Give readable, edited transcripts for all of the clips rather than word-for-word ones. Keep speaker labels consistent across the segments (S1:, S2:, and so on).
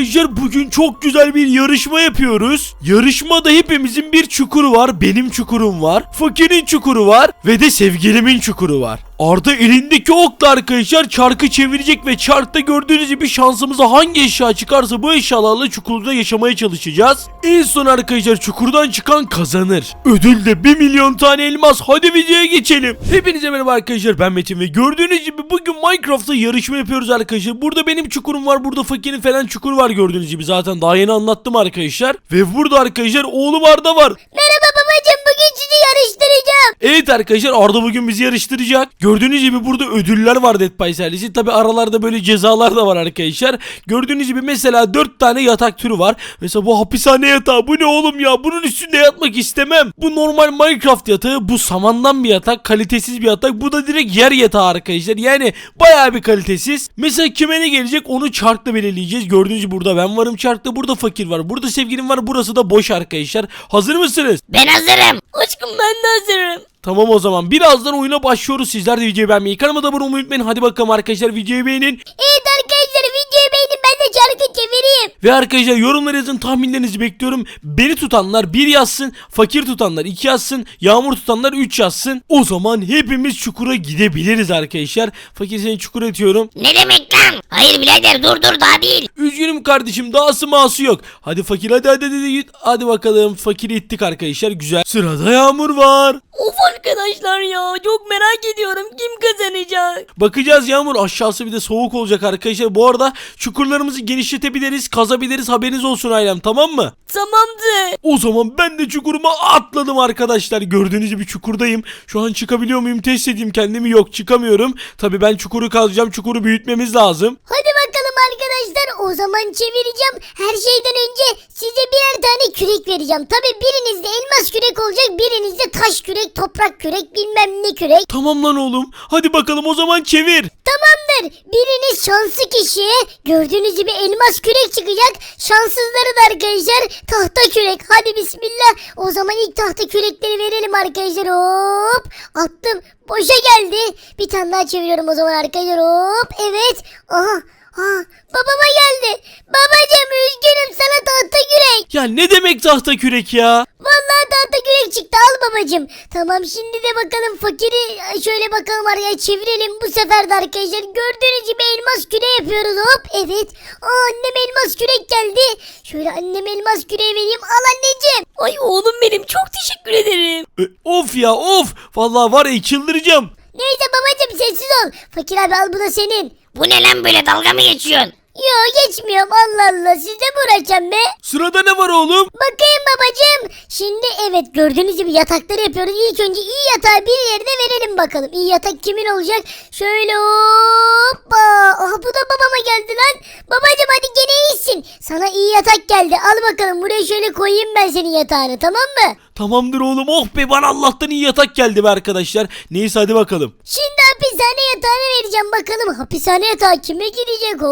S1: arkadaşlar bugün çok güzel bir yarışma yapıyoruz. Yarışmada hepimizin bir çukuru var. Benim çukurum var. Fakirin çukuru var. Ve de sevgilimin çukuru var. Arda elindeki okla arkadaşlar çarkı çevirecek ve çarkta gördüğünüz gibi şansımıza hangi eşya çıkarsa bu eşyalarla çukurda yaşamaya çalışacağız. En son arkadaşlar çukurdan çıkan kazanır. Ödül de 1 milyon tane elmas. Hadi videoya geçelim. Hepinize merhaba arkadaşlar, ben Metin ve gördüğünüz gibi bugün Minecraft'ta yarışma yapıyoruz arkadaşlar. Burada benim çukurum var, burada fakirin falan çukuru var gördüğünüz gibi, zaten daha yeni anlattım arkadaşlar. Ve burada arkadaşlar oğlum Arda var.
S2: Merhaba babacığım, bugün sizi yarıştıracağım.
S1: Evet arkadaşlar, Arda bugün bizi yarıştıracak. Gördüğünüz gibi burada ödüller var Dead by Silence'in. Tabi aralarda böyle cezalar da var arkadaşlar. Gördüğünüz gibi mesela 4 tane yatak türü var. Mesela bu hapishane yatağı, bu ne oğlum ya, bunun üstünde yatmak istemem. Bu normal Minecraft yatağı, bu samandan bir yatak, kalitesiz bir yatak. Bu da direkt yer yatağı arkadaşlar, yani bayağı bir kalitesiz. Mesela kime ne gelecek onu çarkla belirleyeceğiz. Gördüğünüz gibi burada ben varım çarkta, burada fakir var, burada sevgilim var, burası da boş arkadaşlar. Hazır mısınız?
S2: Ben hazırım. Aşkım ben de hazırım.
S1: Tamam, o zaman birazdan oyuna başlıyoruz. Sizler de videoyu beğenmeyi, kanalıma da abone olmayı unutmayın. Hadi bakalım arkadaşlar, videoyu beğenin.
S2: Evet arkadaşlar, videoyu beğenin, ben de çarkı çevireyim.
S1: Ve arkadaşlar yorumlara yazın, tahminlerinizi bekliyorum. Beni tutanlar 1 yazsın, fakir tutanlar 2 yazsın, yağmur tutanlar 3 yazsın. O zaman hepimiz çukura gidebiliriz arkadaşlar. Fakir, seni çukura atıyorum.
S2: Ne demek lan? Hayır birader, dur daha değil.
S1: Üzgünüm kardeşim, dahası mahası yok. Hadi fakir, hadi git. Hadi bakalım, fakiri ittik arkadaşlar, güzel. Sırada yağmur var.
S2: Of arkadaşlar ya, çok merak ediyorum kim kazanacak.
S1: Bakacağız Yağmur, aşağısı bir de soğuk olacak arkadaşlar. Bu arada çukurlarımızı genişletebiliriz, kazabiliriz, haberiniz olsun ailem, tamam mı?
S2: Tamamdır.
S1: O zaman ben de çukuruma atladım arkadaşlar. Gördüğünüz gibi çukurdayım. Şu an çıkabiliyor muyum test edeyim kendimi. Yok, çıkamıyorum. Tabii ben çukuru kazacağım, çukuru büyütmemiz lazım.
S2: Hadi bakalım arkadaşlar, o zaman çevireceğim. Her şeyden önce size birer tane kürek vereceğim. Tabii birinizde elmas kürek olacak, birinizde taş kürek, toprak kürek, bilmem ne kürek.
S1: Tamam lan oğlum, hadi bakalım o zaman çevir.
S2: Tamamdır. Biriniz şanslı kişiye gördüğünüz gibi elmas kürek çıkacak. Şanssızları da arkadaşlar tahta kürek. Hadi bismillah. O zaman ilk tahta kürekleri verelim arkadaşlar. Hop. Attım. Boşa geldi. Bir tane daha çeviriyorum o zaman arkadaşlar. Hop. Evet. Aha. Ha, babama geldi. Babacığım üzgünüm, sana tahta kürek.
S1: Ya ne demek tahta kürek ya?
S2: Vallahi tahta kürek çıktı, al babacığım. Tamam, şimdi de bakalım fakiri şöyle bakalım araya çevirelim. Bu sefer de arkadaşlar gördüğünüz gibi elmas küre yapıyoruz. Hop, evet. Annem elmas kürek geldi. Şöyle anneme elmas küreği vereyim. Al anneciğim. Ay oğlum benim, çok teşekkür ederim.
S1: Of ya of. Vallahi var ya, çıldıracağım.
S2: Neyse babacığım, sessiz ol. Fakir abi, al, bu da senin.
S3: Bu ne lan, böyle dalga mı geçiyorsun?
S2: Yo, geçmiyorum, Allah Allah, size mi uğraşacağım be?
S1: Sırada ne var oğlum?
S2: Bakayım babacığım. Şimdi evet, gördüğünüz gibi yatakları yapıyoruz. İlk önce iyi yatağı bir yerine verelim bakalım. İyi yatak kimin olacak? Şöyle hoppa. Aha, bu da babama geldi lan. Babacığım hadi gene iyisin. Sana iyi yatak geldi. Al bakalım, buraya şöyle koyayım ben senin yatağını, tamam mı?
S1: Tamamdır oğlum, oh be, bana Allah'tan iyi yatak geldi be arkadaşlar. Neyse hadi bakalım.
S2: Şimdi hapishane yatağını vereceğim bakalım. Hapishane yatağı kime gidecek?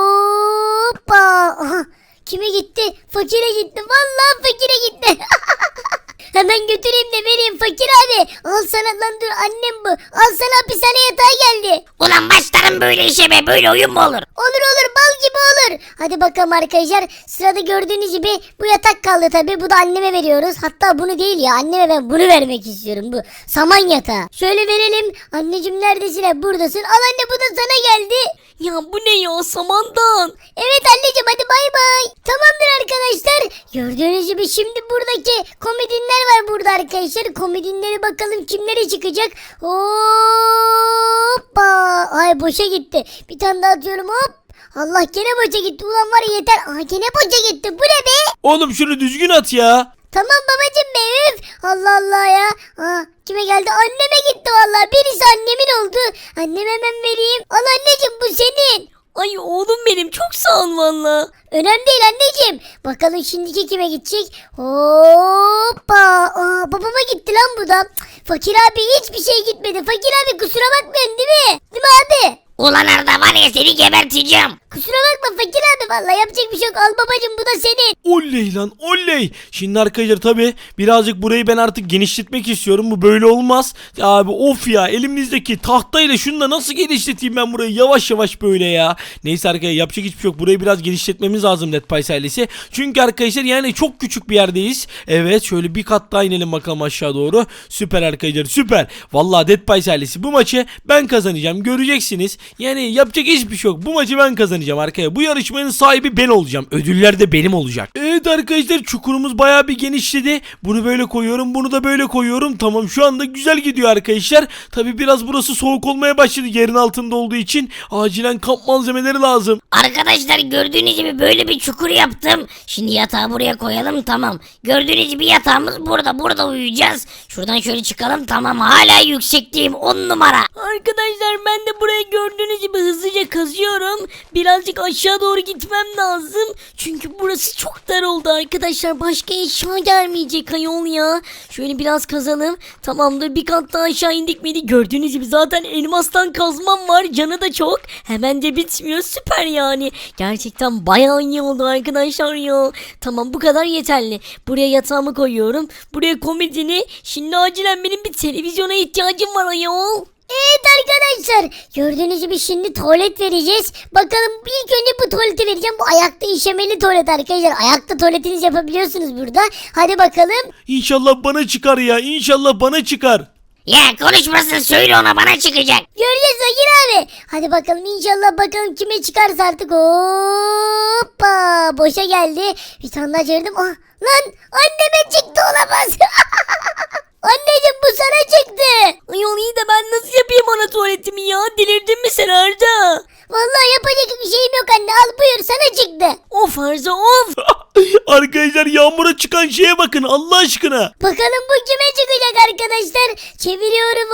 S2: Hoppa. Aha, kime gitti? Fakire gitti. Vallahi fakire gitti. Hemen götüreyim de vereyim fakir abi. Al sana lan, dur annem bu. Al sana hapishane yatağı geldi.
S3: Ulan başlarım böyle işe be, böyle oyun mu olur?
S2: Olur bal gibi olur. Hadi bakalım arkadaşlar. Sırada gördüğünüz gibi bu yatak kaldı tabi. Bu da anneme veriyoruz. Hatta bunu değil ya, anneme ben bunu vermek istiyorum. Bu saman yatağı. Şöyle verelim. Anneciğim neredesin? Buradasın. Al anne, bu da sana geldi.
S3: Ya bu ne ya, samandan?
S2: Evet anneciğim, hadi bay bay. Tamamdır arkadaşlar. Gördüğünüz gibi şimdi buradaki komodinler var burada arkadaşlar. Komodinleri bakalım kimlere çıkacak. Hoppa. Ay, boşa gitti. Bir tane daha atıyorum, hop. Allah, gene boşa gitti. Ulan var ya, yeter. Aa, gene boşa gitti. Bu ne be?
S1: Oğlum şunu düzgün at ya.
S2: Tamam babacığım be, üf. Allah Allah ya. Aa, kime geldi? Anneme gitti vallahi. Birisi annemin oldu. Anneme hemen vereyim. Al anneciğim, bu senin.
S3: Ay oğlum benim, çok sağ ol valla.
S2: Önemli değil anneciğim. Bakalım şimdiki kime gidecek? Hoppa. Aa, babama gitti lan bu da. Fakir abi hiçbir şey gitmedi. Fakir abi kusura bakmayın, değil mi? Değil mi abi?
S3: Ulan Arda, var ya, seni geberteceğim.
S2: Kusura bakma fakir abi, vallahi yapacak bir şey yok. Al babacım bu da senin.
S1: Oley lan oley. Şimdi arkadaşlar tabi birazcık burayı ben artık genişletmek istiyorum. Bu böyle olmaz. Ya abi of ya, elimizdeki tahtayla şunu da nasıl genişleteyim ben burayı yavaş yavaş böyle ya. Neyse arkadaşlar, yapacak hiçbir şey yok. Burayı biraz genişletmemiz lazım Dead Pies ailesi. Çünkü arkadaşlar yani çok küçük bir yerdeyiz. Evet, şöyle bir kat daha inelim bakalım aşağı doğru. Süper arkadaşlar, süper. Vallahi Dead Pies ailesi bu maçı ben kazanacağım. Göreceksiniz. Yani yapacak hiçbir şey yok. Bu maçı ben kazanacağım arkadaşlar. Bu yarışmanın sahibi ben olacağım. Ödüller de benim olacak. Evet arkadaşlar, çukurumuz bayağı bir genişledi. Bunu böyle koyuyorum. Bunu da böyle koyuyorum. Tamam, şu anda güzel gidiyor arkadaşlar. Tabi biraz burası soğuk olmaya başladı yerin altında olduğu için. Acilen kamp malzemeleri lazım.
S3: Arkadaşlar gördüğünüz gibi böyle bir çukur yaptım. Şimdi yatağı buraya koyalım, tamam. Gördüğünüz gibi yatağımız burada uyuyacağız. Şuradan şöyle çıkalım, tamam, hala yüksekteyim, 10 numara. Arkadaşlar ben de buraya gördüğünüz gibi hızlıca kazıyorum. Birazcık aşağı doğru gitmem lazım. Çünkü burası çok dar oldu arkadaşlar. Başka eşya gelmeyecek ayol ya. Şöyle biraz kazalım. Tamamdır, bir kat daha aşağı indik miydi? Gördüğünüz gibi zaten elmastan kazmam var. Canı da çok. Hemen de bitmiyor. Süper yani. Gerçekten bayağı iyi oldu arkadaşlar ya. Tamam, bu kadar yeterli. Buraya yatağımı koyuyorum. Buraya komodini. Şimdi acilen benim bir televizyona ihtiyacım var ayol.
S2: Evet arkadaşlar, gördüğünüz gibi şimdi tuvalet vereceğiz. Bakalım, ilk önce bu tuvaleti vereceğim. Bu ayakta işemeli tuvalet arkadaşlar. Ayakta tuvaletinizi yapabiliyorsunuz burada. Hadi bakalım.
S1: İnşallah bana çıkar ya. İnşallah bana çıkar.
S3: Ya konuşmasın, söyle ona, bana çıkacak.
S2: Göreceğiz Fakir abi. Hadi bakalım, inşallah bakalım kime çıkarsa artık. Hoppa, boşa geldi. Bir tane daha çevirdim. Ah, lan anneme çıktı, olamaz. Anneciğim, bu sana çıktı.
S3: Ayol iyi de ben nasıl yapayım ana tuvaletimi ya? Delirdin mi sen Arda?
S2: Vallahi yapacak bir şeyim yok anne. Al buyur, sana çıktı.
S3: Of Arda of.
S1: Arkadaşlar, yağmura çıkan şeye bakın Allah aşkına.
S2: Bakalım bu kime çıkacak arkadaşlar. Çeviriyorum,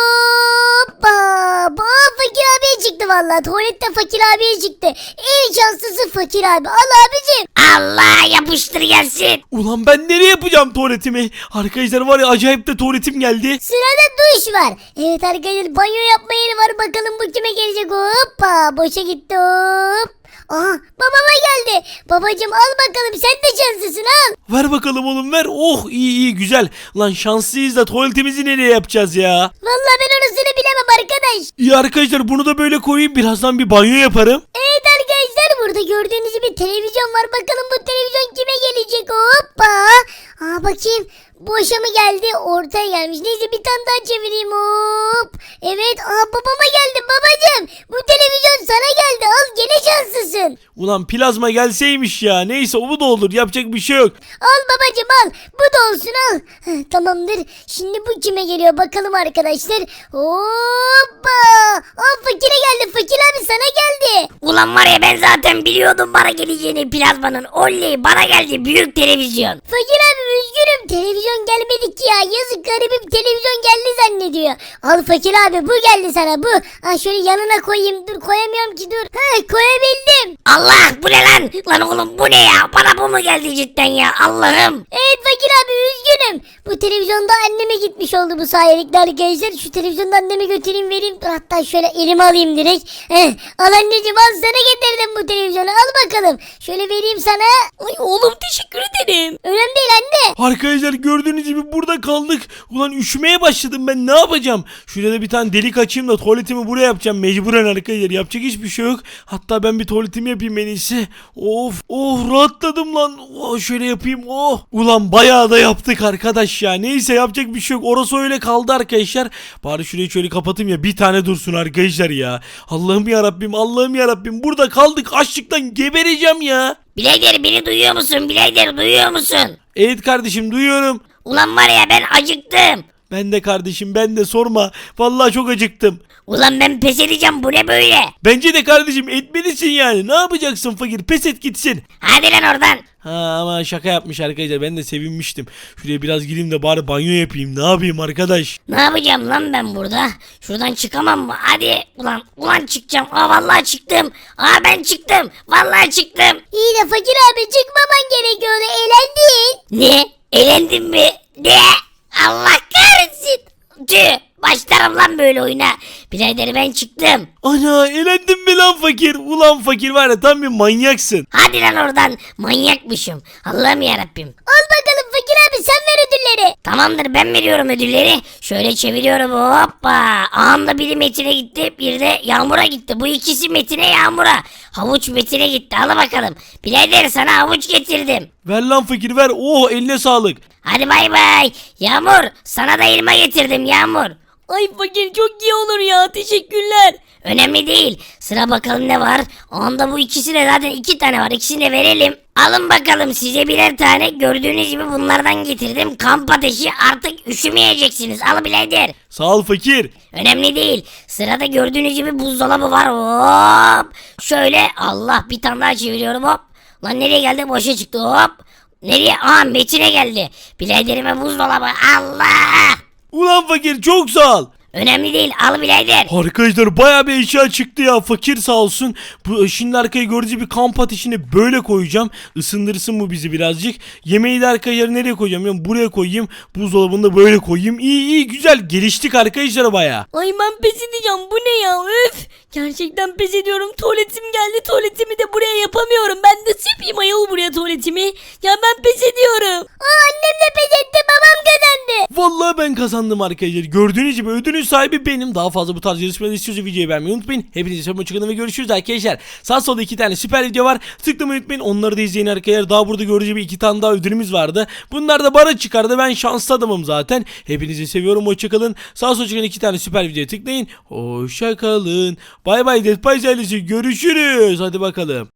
S2: hoppa. Fakir abiye çıktı vallahi. Tuvalette Fakir abiye çıktı. En şanslısı Fakir abi. Al abicim.
S3: Allah, yapıştır gelsin.
S1: Ulan ben nereye yapacağım tuvaletimi? Arkadaşlar var ya, acayip de tuvaletim geldi.
S2: Sırada duş var. Evet arkadaşlar, banyo yapma yeri var. Bakalım bu kime gelecek. Hoppa, boşa gitti, hop. Aha, babama geldi. Babacım al bakalım, sen de şanslısın, al.
S1: Ver bakalım oğlum, ver. Oh, iyi iyi güzel. Lan şanslıyız da tuvaletimizi nereye yapacağız ya?
S2: Vallahi ben orasını bilemem arkadaş.
S1: İyi arkadaşlar, bunu da böyle koyayım. Birazdan bir banyo yaparım.
S2: Evet arkadaşlar, burada gördüğünüz gibi televizyon var. Bakalım bu televizyon kime gelecek? Hoppa. Bakayım. Boşa mı geldi? Ortaya gelmiş. Neyse, bir tane daha çevireyim, hop. Evet, babama geldi babacım. Bu televizyon sana geldi. Al, gene şanslısın.
S1: Ulan plazma gelseymiş ya. Neyse, o da olur. Yapacak bir şey yok.
S2: Al babacım, al. Bu da olsun, al. Tamamdır. Şimdi bu kime geliyor bakalım arkadaşlar. Hoppa. Fakire geldi. Fakir abi sana geldi.
S3: Ulan var ya, ben zaten biliyordum bana geleceğini plazmanın. Oley, bana geldi büyük televizyon.
S2: Fakir abi üzgünüm, televizyon gelmedi ki ya. Yazık, garibim televizyon geldi zannediyor. Al Fakir abi, bu geldi sana, bu. Şöyle yanına koyayım, dur koyamıyorum ki, dur. Koyabildim.
S3: Allah, bu ne lan? Lan oğlum bu ne ya? Bana bu mu geldi cidden ya? Allah'ım.
S2: Evet Fakir abi, üzgünüm. Bu televizyonda anneme gitmiş oldu bu sayelikle arkadaşlar. Şu televizyonda anneme götüreyim, vereyim. Dur, hatta şöyle elime alayım direkt. Al anneciğim, al, sana getirdim bu televizyonu, al bakalım. Şöyle vereyim sana.
S3: Ay oğlum, teşekkür ederim.
S2: Önemli değil anne.
S1: Arkadaşlar gördüğünüz gibi burada kaldık. Ulan üşümeye başladım, ben ne yapacağım? Şurada da bir tane delik açayım da tuvaletimi buraya yapacağım. Mecburen arkadaşlar, yapacak hiçbir şey yok. Hatta ben bir tuvaletimi yapayım en iyisi. Of rahatladım lan. Şöyle yapayım. Ulan bayağı da yaptık arkadaş ya. Neyse, yapacak bir şey yok. Orası öyle kaldı arkadaşlar. Bari şurayı şöyle kapatayım ya, bir tane dursun arkadaşlar ya. Allah'ım ya Rabbim, Allah'ım ya Rabbim. Burada kaldık, açlıktan gebereceğim ya.
S3: Birader, beni duyuyor musun? Birader, duyuyor musun?
S1: Evet kardeşim, duyuyorum.
S3: Ulan var ya, ben acıktım.
S1: Ben de kardeşim, ben de sorma. Vallahi çok acıktım.
S3: Ulan ben pes edeceğim, bu ne böyle?
S1: Bence de kardeşim, etmelisin yani. Ne yapacaksın fakir? Pes et gitsin.
S3: Hadi lan oradan.
S1: Ama şaka yapmış arkadaşlar. Ben de sevinmiştim. Şuraya biraz gireyim de bari banyo yapayım. Ne yapayım arkadaş?
S3: Ne yapacağım lan ben burada? Şuradan çıkamam mı? Hadi ulan çıkacağım. Vallahi çıktım. Ben çıktım. Vallahi çıktım.
S2: İyi de Fakir abi, çıkmaman gerekiyordu, eğlendin.
S3: Ne? Eğlendin mi? Ne? Allah kahretsin. Tüh. Başlarım lan böyle oyuna. Birader ben çıktım.
S1: Ana elendin mi lan fakir? Ulan fakir var ya tam bir manyaksın.
S3: Hadi lan oradan. Manyakmışım. Allah'ım yarabbim.
S2: Al bakalım fakir abi sen ver ödülleri.
S3: Tamamdır ben veriyorum ödülleri. Şöyle çeviriyorum hoppa. Anında biri Metin'e gitti bir de Yağmur'a gitti. Bu ikisi Metin'e Yağmur'a. Havuç Metin'e gitti al bakalım. Birader sana havuç getirdim.
S1: Ver lan fakir ver. Oh eline sağlık.
S3: Hadi bay bay. Yağmur sana da elma getirdim Yağmur.
S4: Ay fakir çok iyi olur ya teşekkürler.
S3: Önemli değil. Sıra bakalım ne var. Onda bu ikisi de zaten 2 tane var. İkisini de verelim. Alın bakalım size birer tane. Gördüğünüz gibi bunlardan getirdim. Kamp ateşi artık üşümeyeceksiniz. Al birader.
S1: Sağ ol fakir.
S3: Önemli değil. Sırada gördüğünüz gibi buzdolabı var. Hop. Şöyle Allah bir tane daha çeviriyorum hop. Lan nereye geldi? Boşa çıktı hop. Nereye? Aa Metin'e geldi. Biraderime buzdolabı. Allah.
S1: Ulan fakir çok sağ ol.
S3: Önemli değil. Al birader.
S1: Arkadaşlar baya bir eşya çıktı ya fakir sağ olsun. Şimdi arkaya gördüğünüz gibi kamp ateşini böyle koyacağım. Isındırsın bu bizi birazcık. Yemeği de arkaya nereye koyacağım? Yani buraya koyayım. Buzdolabını da böyle koyayım. İyi güzel geliştik arkadaşlar baya.
S4: Ay ben pes edeceğim bu ne ya öf. Gerçekten pes ediyorum tuvaletim geldi tuvaletimi de buraya yapamıyorum. Ben de yapayım ayol buraya tuvaletimi. Ya ben pes ediyorum.
S2: Aa annem de pes etti babam kazandı.
S1: Vallahi ben kazandım arkadaşlar. Gördüğünüz gibi ödülün sahibi benim. Daha fazla bu tarz yarışmaları istiyorsanız videoyu beğenmeyi unutmayın. Hepinize çok hoşçakalın ve görüşürüz arkadaşlar. Sağ solda 2 tane süper video var. Tıklamayı unutmayın. Onları da izleyin arkadaşlar. Daha burada gördüğünüz gibi 2 tane daha ödülümüz vardı. Bunlar da bana çıkardı. Ben şanslı adamım zaten. Hepinizi seviyorum. Hoşçakalın. Sağ solda çıkan 2 tane süper videoya tıklayın. Hoşçakalın. Bay bay Dead Pies ailesi. Görüşürüz. Hadi bakalım.